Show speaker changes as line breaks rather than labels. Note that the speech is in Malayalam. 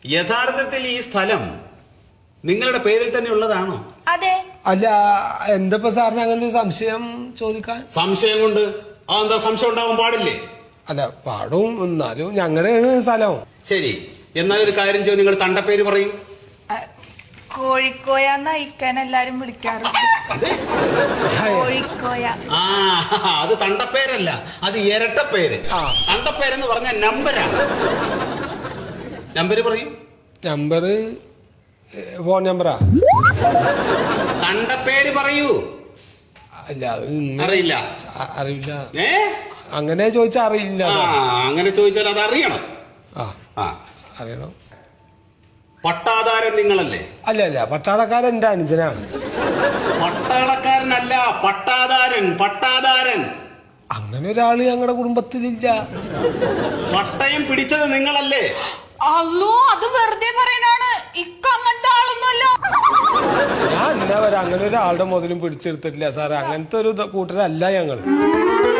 യഥാർത്ഥത്തിൽ ഈ സ്ഥലം നിങ്ങളുടെ പേരിൽ തന്നെ ഉള്ളതാണോ?
അതെ.
അല്ല, എന്തപ്പോ സാറിന് അങ്ങനെ ഒരു സംശയം ചോദിക്കാൻ?
സംശയം കൊണ്ട് അതെന്താ? സംശയം ഉണ്ടാവാൻ പാടില്ലേ?
അല്ല, പാടും, എന്നാലും ഞങ്ങളുടെയാണ് സ്ഥലം.
ശരി, എന്നാലൊരു കാര്യം ചെയ്യും, നിങ്ങൾ തണ്ടപ്പേര് പറയൂ.
കോഴിക്കോയാന്ന് അയക്കാൻ എല്ലാരും വിളിക്കാറുണ്ട്. കോഴിക്കോയ.
ആ, അത് തണ്ടപ്പേരല്ല, അത് ഇരട്ടപ്പേര്. തണ്ടപ്പേരെന്ന് പറഞ്ഞ നമ്പരാണ്. നമ്പര് പറയൂ.
നമ്പർ ഫോൺ നമ്പറാ.
തണ്ടപ്പേര് പറയൂ.
അല്ല,
അറിയില്ല.
അറിയില്ല.
അങ്ങനെ
ചോദിച്ചാ അറിയില്ല.
അങ്ങനെ ചോദിച്ചാൽ അത് അറിയണം.
അറിയണം.
പട്ടാധാരൻ നിങ്ങളല്ലേ?
അല്ല അല്ല, പട്ടാളക്കാരൻ എന്റെ അനുജനാണ്.
പട്ടാളക്കാരനല്ല, പട്ടാധാരൻ. പട്ടാധാരൻ
അങ്ങനെ ഒരാള് ഞങ്ങളുടെ കുടുംബത്തിലില്ല.
പട്ടയം പിടിച്ചത് നിങ്ങളല്ലേ?
അല്ലോ, അത് വെറുതെ പറയാനാണ്. ഇക്ക അങ്ങനത്തെ ആളൊന്നുമല്ല.
ഞാൻ എന്താ പറയാ, അങ്ങനെ ഒരാളുടെ മുതലും പിടിച്ചെടുത്തിട്ടില്ല സാറേ. അങ്ങനത്തെ ഒരു കൂട്ടരല്ല ഞങ്ങള്.